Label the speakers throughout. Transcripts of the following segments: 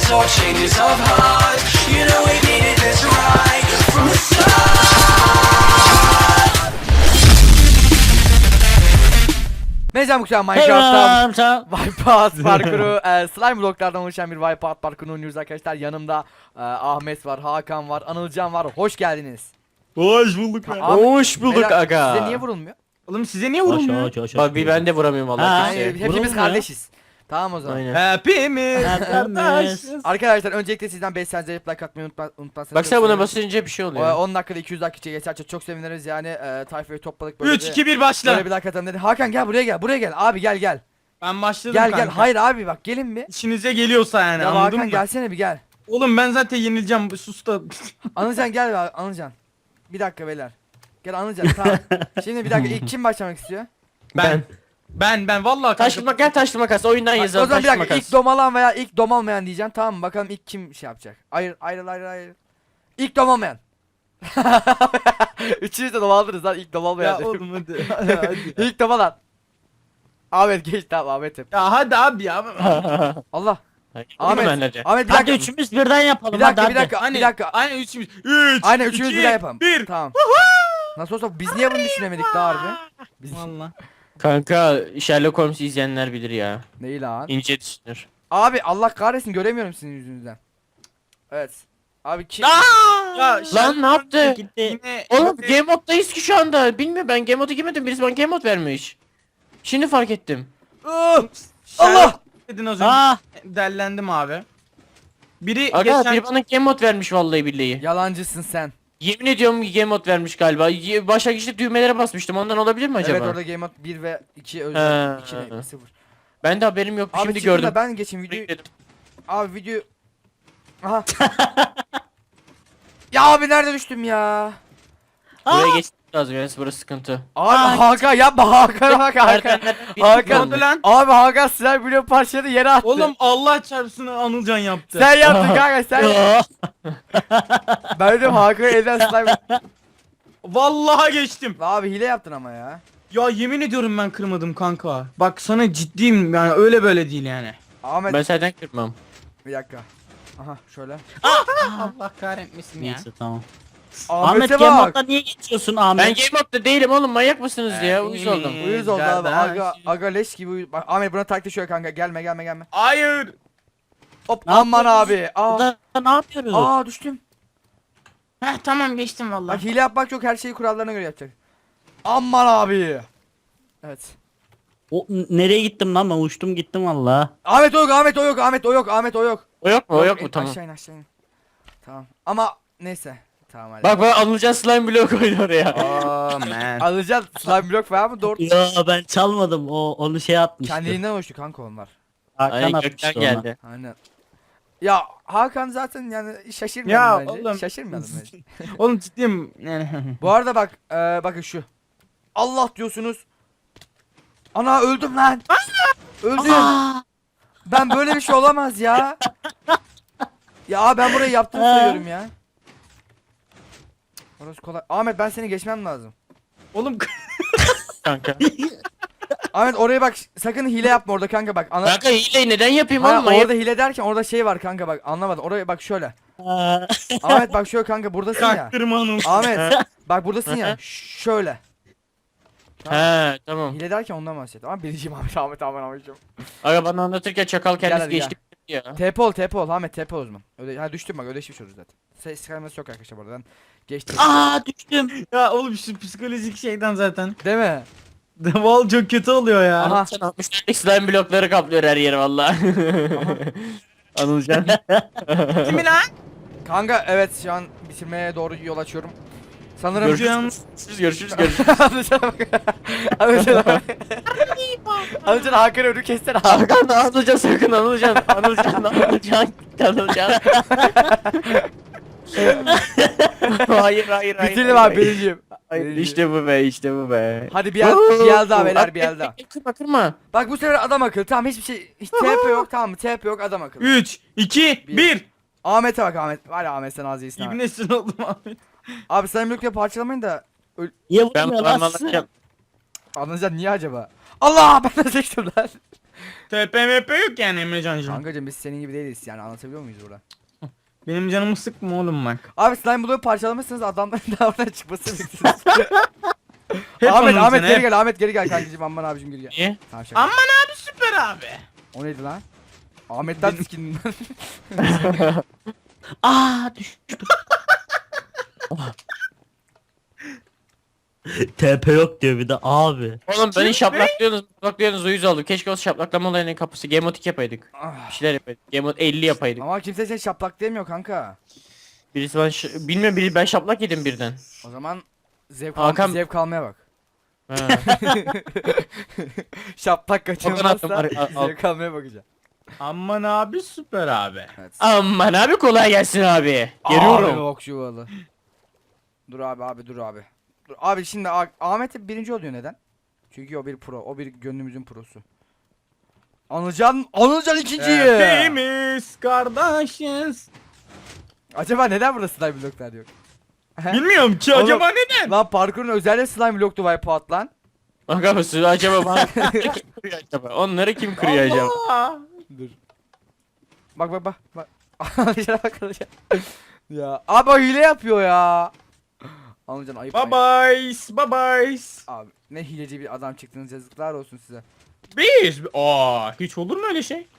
Speaker 1: for changes of heart. You know we needed this right from the start.
Speaker 2: Merhaba Mükemmel Minecraft'ta
Speaker 3: Selam.
Speaker 2: Wipeout parkuru, slime bloklardan oluşan bir Wipeout parkurunu oynuyoruz arkadaşlar. Yanımda Ahmet var, Hakan var, Anılcan var. Hoş geldiniz.
Speaker 4: Hoş bulduk be.
Speaker 2: Ahmet,
Speaker 3: Hoş bulduk
Speaker 2: beyler,
Speaker 3: aga.
Speaker 2: Size niye vurulmuyor?
Speaker 4: Oğlum size niye vurulmuyor?
Speaker 3: Bak bir ben de vuramıyorum Allah
Speaker 2: Yani
Speaker 3: kimseye.
Speaker 2: hepimiz
Speaker 3: Vurulmuyor.
Speaker 2: kardeşiz. Tamam o zaman.
Speaker 3: Aynen.
Speaker 4: Hepimiz.
Speaker 3: Hepimiz.
Speaker 2: Arkadaşlar öncelikle sizden 5 saniye like atmayı unutmazsanız.
Speaker 3: Bak sen buna basınca bir şey oluyor.
Speaker 2: 10 dakikada 200 dakika geçerse çok seviniriz yani. Tayfayı topladık böyle.
Speaker 4: 3 2 1 başla.
Speaker 2: Böyle bir like atalım dedi. Hakan gel buraya gel. Abi gel.
Speaker 4: Ben başladım
Speaker 2: Gel
Speaker 4: kanka.
Speaker 2: Hayır abi bak gelin bir.
Speaker 4: İşinize geliyorsa yani
Speaker 2: Ya
Speaker 4: anladın
Speaker 2: Hakan
Speaker 4: mı?
Speaker 2: gelsene bir gel.
Speaker 4: Oğlum ben zaten yenileceğim. Sus da.
Speaker 2: Anılcan gel be Anılcan. Bir dakika beyler. Gel Anılcan tamam. Şimdi bir dakika ilk kim başlamak istiyor?
Speaker 4: Ben vallahi
Speaker 3: Taş
Speaker 4: kanka.
Speaker 3: makas taş makas oyundan
Speaker 2: O
Speaker 3: yazalım
Speaker 2: zaman bir
Speaker 3: taş
Speaker 2: dakika
Speaker 3: makas.
Speaker 2: ilk domalan veya ilk domalmayan diyeceğim tamam mı? Bakalım ilk kim şey yapacak. Hayır. İlk domalmayan. Üçünüz de domaldınız lan ilk domalmayan.
Speaker 4: Ya oğlum hadi. hadi.
Speaker 2: İlk domalan. Ahmet geç tamam Ahmet'im.
Speaker 4: Ya hadi abi ya.
Speaker 2: Allah.
Speaker 3: Ahmet.
Speaker 2: Ahmet bir
Speaker 3: Hadi
Speaker 2: dakika.
Speaker 3: üçümüz birden yapalım.
Speaker 2: Bir dakika
Speaker 3: hadi,
Speaker 2: bir dakika
Speaker 4: Hani,
Speaker 2: bir dakika.
Speaker 4: Aynen üçümüz. 3
Speaker 2: Aynen üçümüz bir daha yapalım.
Speaker 4: 1.
Speaker 2: Tamam. Nasıl olsa biz niye bunu düşünemedik daha harbi? Biz...
Speaker 4: Vallahi.
Speaker 3: Kanka Sherlock Holmes izleyenler bilir ya.
Speaker 2: Neyi lan?
Speaker 3: İnce düşünür.
Speaker 2: Abi Allah kahretsin göremiyorum sizin yüzünüzden. Evet. Abi kim?
Speaker 4: Ya
Speaker 3: Lan ne yaptı?
Speaker 4: Yine
Speaker 3: Oğlum game moddayız ki şu anda. Bilmiyorum ben game modu girmedim. Birisi bana game mod vermiş. Şimdi fark ettim.
Speaker 2: Allah!
Speaker 4: Allah dedin az önce.
Speaker 3: Aa!
Speaker 4: Dellendim abi. Biri
Speaker 3: Aga
Speaker 4: geçen
Speaker 3: biri bana game mod vermiş vallahi billahi.
Speaker 2: Yalancısın sen.
Speaker 3: Yemin ediyorum game mod vermiş galiba. Başlangıçta düğmelere basmıştım. Ondan olabilir mi acaba?
Speaker 2: Evet orada Game Mode 1 ve 2 özel. 2 ne? 0.
Speaker 3: Ben de haberim yok.
Speaker 2: Abi
Speaker 3: Şimdi
Speaker 2: çıktı da
Speaker 3: gördüm.
Speaker 2: ben geçeyim videoyu. Abi video. Aha. Ya abi nerede düştüm ya?
Speaker 3: Buraya geçmek lazım yani burası sıkıntı.
Speaker 2: Abi Hakan yapma Hakan'a bak Hakan. Hakan.
Speaker 4: oldu lan?
Speaker 2: Abi Hakan slime blok parçaları yere attı.
Speaker 4: Oğlum Allah çarpsın Anılcan yaptı.
Speaker 2: sen yaptın kanka sen. Ben dedim Hakan'a elden slime.
Speaker 4: Vallahi geçtim.
Speaker 2: Abi hile yaptın ama ya.
Speaker 4: Ya yemin ediyorum ben kırmadım kanka. Bak sana ciddiyim yani öyle böyle değil yani.
Speaker 2: Ahmet
Speaker 3: Ben senden kırmam.
Speaker 2: bir dakika. Aha şöyle.
Speaker 4: Allah kahretmesin ya.
Speaker 5: Neyse tamam. Ahmet
Speaker 2: Ahmet'e
Speaker 5: Game
Speaker 2: bak.
Speaker 5: Mode'da niye geçiyorsun
Speaker 3: Ben
Speaker 5: Ahmet?
Speaker 3: game modda değilim oğlum manyak mısınız ya? Uyuz oldum.
Speaker 2: Uyuz oldu abi.
Speaker 4: Kardeş.
Speaker 2: Aga leş gibi uyuz. Bak Ahmet buna taktik şöyle kanka. Gelme.
Speaker 4: Hayır.
Speaker 2: Hop
Speaker 5: Ne
Speaker 2: aman
Speaker 5: yapıyoruz?
Speaker 2: abi. Aa.
Speaker 5: Burada ne yapıyoruz?
Speaker 2: Aa düştüm.
Speaker 4: Heh tamam geçtim vallahi.
Speaker 2: Bak hile yapmak yok her şeyi kurallarına göre yapacak. Aman abi. Evet.
Speaker 5: Nereye gittim lan ben uçtum gittim valla.
Speaker 2: Ahmet o yok.
Speaker 3: O yok mu? O yok mu? Tamam.
Speaker 2: Aşağı in. Tamam. Ama neyse. Tamam hadi.
Speaker 3: Bak Anılcan slime blok koydu oraya.
Speaker 4: Oh man.
Speaker 2: Alacağız slime blok var mı? Doğru.
Speaker 5: Ya ben çalmadım onu şey atmıştı.
Speaker 2: Kendiliğinden oluştu kanka onlar.
Speaker 5: Hakan
Speaker 3: Aynen
Speaker 5: atmıştı
Speaker 3: gökten
Speaker 5: ona.
Speaker 3: geldi.
Speaker 2: Aynen. Ya Hakan zaten yani şaşırmadım
Speaker 4: Ya
Speaker 2: bence.
Speaker 4: oğlum.
Speaker 2: Şaşırmadım bence.
Speaker 4: Oğlum ciddiyim yani.
Speaker 2: Bu arada bak bakın şu. Allah diyorsunuz. Ana öldüm lan. Öldüm.
Speaker 5: Aa!
Speaker 2: Ben böyle bir şey olamaz ya. Ya ben burayı yaptım sayıyorum ya. Orası kolay. Ahmet ben seni geçmem lazım.
Speaker 4: Oğlum
Speaker 3: Kanka.
Speaker 2: Ahmet oraya bak sakın hile yapma orada kanka bak.
Speaker 3: Kanka hileyi neden yapayım
Speaker 2: Ha,
Speaker 3: oğlum? Manyak.
Speaker 2: orada hile derken orada şey var kanka bak anlamadım. Oraya bak şöyle.
Speaker 5: Aa!
Speaker 2: Ahmet bak şöyle kanka buradasın ya.
Speaker 4: kaktırma Anıl.
Speaker 2: Ahmet bak buradasın ya. Şöyle.
Speaker 3: He tamam.
Speaker 2: Hile derken ondan bahset. Ama bileceğim Ahmet Ahmet'im.
Speaker 3: Aga bana anlatırken çakal kendisi
Speaker 2: hadi
Speaker 3: geçti ya.
Speaker 2: TP ol Ahmet TP ol o zaman. Öyle ha düştüm bak öyle şey olur zaten. Ses kayması yok arkadaşlar buradan. Geçti.
Speaker 5: Aa düştüm.
Speaker 4: Ya oğlum şu psikolojik şeyden zaten.
Speaker 2: Değil mi?
Speaker 4: Val çok kötü oluyor ya.
Speaker 2: Aha.
Speaker 3: Sen 60'lık slime blokları kaplıyor her yeri valla. Anılcan.
Speaker 4: Kimi lan?
Speaker 2: Kanka evet şu an bitirmeye doğru yol açıyorum. Sanırım
Speaker 3: Görüşürüz.
Speaker 2: Anılcan'a bak. Anılcan'a bak. Anılcan Hakan'ı önü kessene abi.
Speaker 3: Hakan Anılcan sakın Anılcan. Hayır.
Speaker 2: Bitirdim abi birinciyim.
Speaker 3: Hayır, İşte bu be.
Speaker 2: Hadi bir el daha beyler bir el daha.
Speaker 3: Kırma.
Speaker 2: Bak bu sefer adam akıllı tamam hiçbir şey hiç TP yok tamam mı TP yok adam akıllı.
Speaker 4: 3 2 1.
Speaker 2: Ahmet'e bak Ahmet. Var ya Ahmet sen az iyisin abi.
Speaker 4: İbnesin oldum Ahmet.
Speaker 2: Abi sen blokla parçalamayın da
Speaker 5: Niye
Speaker 3: Ben
Speaker 5: vurmuyor lan?
Speaker 3: parmağını
Speaker 2: Anılcan niye acaba? Allah ben de seçtim lan.
Speaker 4: TPMP yok yani Emrecan'cığım.
Speaker 2: Kankacım biz senin gibi değiliz yani, anlatabiliyor muyuz burada?
Speaker 4: Benim canımı sıkma oğlum bak.
Speaker 2: Abi slime bloğu parçalamışsınız, adamların da oradan çıkmasını bekliyorsunuz.
Speaker 4: Hep
Speaker 2: Ahmet
Speaker 4: onun
Speaker 2: Ahmet
Speaker 4: seni,
Speaker 2: geri
Speaker 4: hep.
Speaker 2: gel, Ahmet geri gel kankacım, aman abicim geri gel.
Speaker 3: Niye?
Speaker 2: Tamam şaka.
Speaker 4: Aman abi süper abi.
Speaker 2: O neydi lan? Ahmet'ten skin.
Speaker 5: Aa düştüm. TP yok diyor bir de abi.
Speaker 3: Oğlum beni şaplaklıyorsunuz uyuz oldum. Keşke o şaplaklama olayının kapısı gemotik yapaydık.
Speaker 2: Ah.
Speaker 3: Bir şeyler yapaydık. Gemot 50 yapaydık.
Speaker 2: Ama kimse seni şaplak demiyor kanka.
Speaker 3: Birisi ben bilmiyorum, biri ben şaplak yedim birden.
Speaker 2: O zaman
Speaker 3: Hakan-
Speaker 2: zevk almaya bak.
Speaker 3: Ha.
Speaker 2: Şaplak kaçırmazsa
Speaker 3: Al.
Speaker 2: zevk almaya bakacağım.
Speaker 4: Aman abi süper abi.
Speaker 2: Evet.
Speaker 3: Aman abi kolay gelsin abi.
Speaker 2: Abi
Speaker 3: Geliyorum.
Speaker 2: yok çuvalı. Dur abi dur abi. Dur abi şimdi Ahmet hep birinci oluyor, neden? Çünkü o bir pro, o bir gönlümüzün prosu. Anılcan ikinci.
Speaker 4: Hepimiz kardeşiz.
Speaker 2: Acaba neden burada slime bloklar yok?
Speaker 4: Bilmiyorum ki
Speaker 2: Oğlum-
Speaker 4: acaba neden?
Speaker 2: Lan parkurun özelliği slime bloktu Wipeout lan.
Speaker 3: Bak abi suyu acaba bana kim kırıyor acaba? Onları kim kırıyor acaba?
Speaker 4: Allah.
Speaker 2: Dur. Bak. Anılcan'a bak Anılcan. Ya abi o hile yapıyor ya. Anılcan ayıp.
Speaker 4: Bye bye. Bye.
Speaker 2: Abi ne hileci bir adam çıktınız, yazıklar olsun size.
Speaker 4: Biz. Hiç olur mu öyle şey?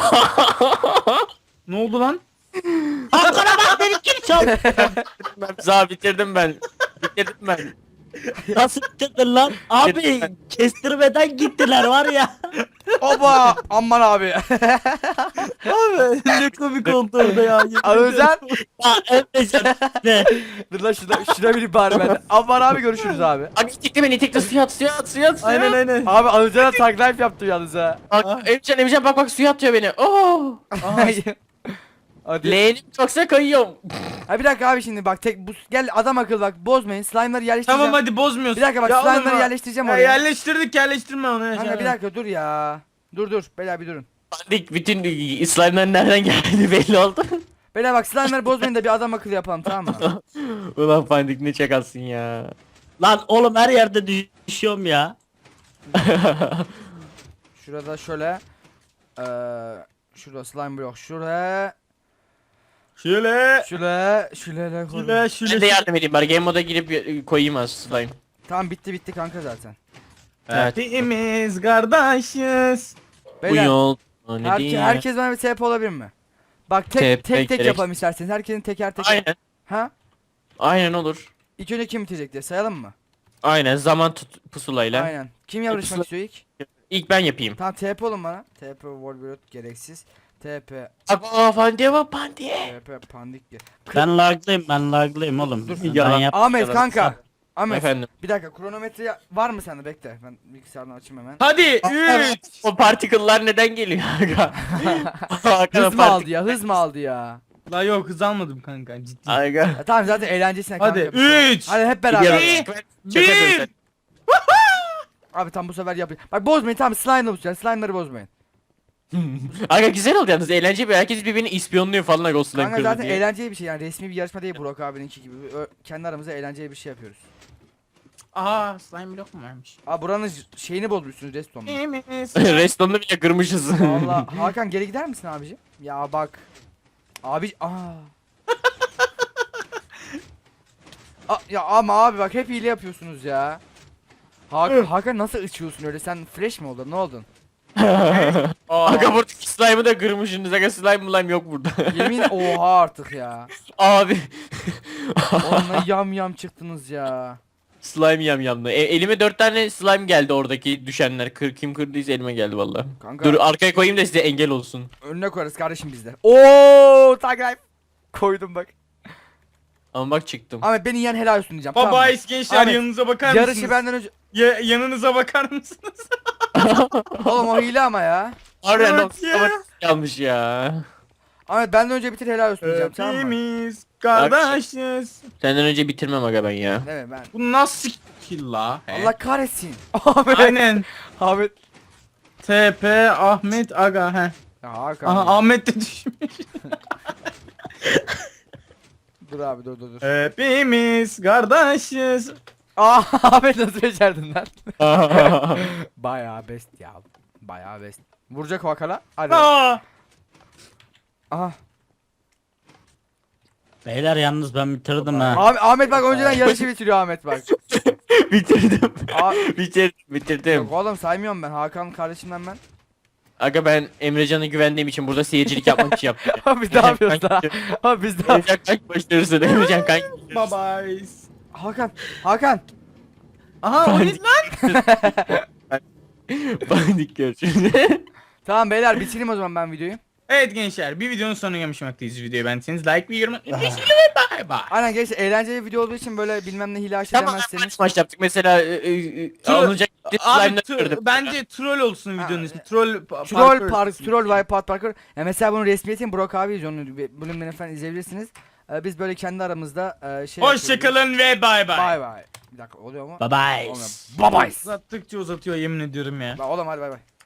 Speaker 4: Ne oldu lan?
Speaker 5: Hakan'a bak beni kim çaldı?
Speaker 3: Ben bitirdim ben. Bitirdim ben.
Speaker 5: Nasıl bitirdin lan? Abi kestirmeden gittiler var ya.
Speaker 2: Oba aman abi.
Speaker 5: Abi ne komik oldu orada ya.
Speaker 2: Anılcan.
Speaker 5: Ya Emrecan ne?
Speaker 2: Dur lan şuna bir bari ben. Aman abi görüşürüz abi.
Speaker 3: Abi itekle beni itekle suya at.
Speaker 4: Aynen.
Speaker 2: Abi Anılcan'a tag life yaptı yalnız ha.
Speaker 3: Bak Emrecan bak suya atıyor beni. Oh.
Speaker 2: Hadi.
Speaker 3: Leğenim yoksa kayıyorum.
Speaker 2: Ha bir dakika abi şimdi bak gel adam akıl bak, bozmayın, slime'ları yerleştireceğim.
Speaker 4: Tamam hadi bozmuyorsun.
Speaker 2: Bir dakika bak,
Speaker 4: Ya oğlum
Speaker 2: slime'ları
Speaker 4: ya.
Speaker 2: yerleştireceğim
Speaker 4: Ya
Speaker 2: oraya.
Speaker 4: yerleştirme onu.
Speaker 2: Kanka bir dakika dur ya. Dur beyler bir durun.
Speaker 3: Pandik bütün slime'ların nereden geldiği belli oldu.
Speaker 2: Beyler bak slime'ları bozmayın da bir adam akıllı yapalım, tamam mı?
Speaker 3: Ulan Pandik ne çakalsın ya.
Speaker 5: Lan oğlum her yerde düşüyorum ya.
Speaker 2: Şurada şöyle. Şurada slime blok şuraya.
Speaker 4: Şöyle.
Speaker 2: Şöyle koydum.
Speaker 3: Ben de yardım edeyim bari game moda girip koyayım az slime.
Speaker 2: Tamam bitti kanka zaten.
Speaker 3: Evet.
Speaker 4: Hepimiz kardeşiz.
Speaker 3: Bu
Speaker 2: Beyler
Speaker 3: yol ne diyeyim?
Speaker 2: herkes bana bir TP olabilir mi? Bak tek
Speaker 3: TP
Speaker 2: tek
Speaker 3: gerek-
Speaker 2: yapalım isterseniz. Herkesin teker teker.
Speaker 3: Aynen.
Speaker 2: Ha?
Speaker 3: Aynen olur.
Speaker 2: İlk önce kim bitecek diye sayalım mı?
Speaker 3: Aynen zaman pusulayla.
Speaker 2: Aynen. Kim yarışmak
Speaker 3: pusula-
Speaker 2: istiyor ilk?
Speaker 3: İlk ben yapayım.
Speaker 2: Tamam TP olun bana. TP Wolverine gereksiz. TP
Speaker 3: Aa Pandik.
Speaker 2: TP pandik ge-
Speaker 5: Ben laglıyım oğlum.
Speaker 2: Dur.
Speaker 5: Ben
Speaker 3: Yalan.
Speaker 5: yap.
Speaker 2: Ahmet kanka. Ahmet
Speaker 3: Efendim.
Speaker 2: bir dakika, kronometre var mı sende, bekle. Ben bilgisayardan açayım hemen.
Speaker 4: Hadi 3.
Speaker 3: O particle'lar neden geliyor aga? Hakan,
Speaker 2: Hız mı aldı ya? Hız mı aldı ya?
Speaker 4: La yok hız almadım kanka ciddi.
Speaker 3: Aga.
Speaker 2: Ya tamam zaten eğlencesine kanka.
Speaker 4: Hadi
Speaker 2: bir şey.
Speaker 4: 3.
Speaker 2: Hadi hep beraber.
Speaker 4: Bir.
Speaker 2: Abi tam bu sefer yapayım. Bak bozmayın, tamam slime'ları bozmayın.
Speaker 3: Aga güzel oldu yalnız, eğlenceli bir, herkes birbirini ispiyonluyor falan aga o slime
Speaker 2: Kanka
Speaker 3: kırdı
Speaker 2: zaten
Speaker 3: diye.
Speaker 2: eğlenceli bir şey yani, resmi bir yarışma değil Burak abininki gibi. Kendi aramızda eğlenceli bir şey yapıyoruz.
Speaker 4: Aha slime blok mu vermiş?
Speaker 2: Abi buranın şeyini bozmuşsunuz restonunu.
Speaker 4: Hepimiz.
Speaker 3: Restonunu bile kırmışız.
Speaker 2: Valla Hakan geri gider misin abicim? Ya bak. Abi ya ama abi bak hep hile yapıyorsunuz ya. Hakan nasıl ıçıyorsun öyle? Sen fresh mi oldun? Ne oldun?
Speaker 3: Aga buradaki slime'ı da kırmışsınız aga, slime yok burada.
Speaker 2: Yemin oha artık ya.
Speaker 3: Abi.
Speaker 2: Onunla yam çıktınız ya.
Speaker 3: Slime yamyamlı. Elime 4 tane slime geldi oradaki düşenler. Kim kırdıysa elime geldi valla.
Speaker 2: Kanka
Speaker 3: Dur arkaya koyayım da size engel olsun.
Speaker 2: önüne koyarız kardeşim bizde. Oo tag life. Koydum bak.
Speaker 3: Ama bak çıktım.
Speaker 2: Ahmet beni yiyen helal olsun diyeceğim. tamam mı?
Speaker 4: Baba gençler
Speaker 2: Ahmet,
Speaker 4: yanınıza bakar mısınız?
Speaker 2: Yarışı benden önce.
Speaker 4: Yanınıza bakar mısınız?
Speaker 2: Oğlum o hile ama ya.
Speaker 3: Harbiden
Speaker 4: Evet ya.
Speaker 3: ama yanlış ya.
Speaker 2: Ahmet benden önce bitir, helal olsun diyeceğim, tamam mı?
Speaker 4: Hepimiz kardeşiz.
Speaker 3: Senden önce bitirmem aga ben ya.
Speaker 2: Değil mi ben?
Speaker 4: Bu nasıl kill la?
Speaker 2: Allah kahretsin. Ahmet.
Speaker 4: Aynen.
Speaker 2: Ahmet.
Speaker 4: TP Ahmet Aga he.
Speaker 2: Ya Hakan.
Speaker 4: Aha Ahmet de düşmüş.
Speaker 2: Dur abi dur.
Speaker 4: Hepimiz kardeşiz.
Speaker 2: Ahmet nasıl becerdin lan? Bayağı best ya. Bayağı best. Vuracak o Hakan'a. Hadi.
Speaker 4: Aa!
Speaker 2: Aha.
Speaker 5: Beyler yalnız ben bitirdim ha.
Speaker 2: Ahmet bak önceden yarışı bitiriyor Ahmet bak.
Speaker 3: Bitirdim.
Speaker 2: Aa,
Speaker 3: Bitirdim.
Speaker 2: yok oğlum saymıyorum ben. Hakan kardeşimden ben.
Speaker 3: Aga ben Emrecan'a güvendiğim için burada seyircilik yapmak için yaptım.
Speaker 2: Abi biz ne yapıyoruz daha? Abi biz ne
Speaker 3: Emrecan kanki başlıyorsun. Emrecan kanki.
Speaker 4: Bye bye.
Speaker 2: Hakan.
Speaker 4: Aha o ne lan?
Speaker 3: Bandik görüşürüz.
Speaker 2: Tamam beyler bitireyim o zaman ben videoyu.
Speaker 4: Evet gençler bir videonun sonuna gelmişmekteyiz. Videoyu beğendiyseniz like ve yorum atmayı unutmayın. Bye bye.
Speaker 2: Aynen gençler eğlenceli video olduğu için böyle bilmem ne hile
Speaker 3: Tamam
Speaker 2: demezseniz.
Speaker 3: maç yaptık mesela alınacak
Speaker 4: Abi
Speaker 3: slime'ları gördüm.
Speaker 4: bence troll olsun videonun ismi. Troll
Speaker 2: Troll Vay Pat Parker. Ya mesela bunun resmiyetini Burak abi yazıyor. Onu bölümden efendim izleyebilirsiniz. Biz böyle kendi aramızda şey
Speaker 4: Hoşçakalın ve bye bye.
Speaker 2: Bye bye. Bir dakika oluyor mu?
Speaker 5: Bye bye.
Speaker 2: Olmuyor. Bye bye.
Speaker 4: Uzattıkça uzatıyor yemin ediyorum ya.
Speaker 2: Oğlum hadi bay bay.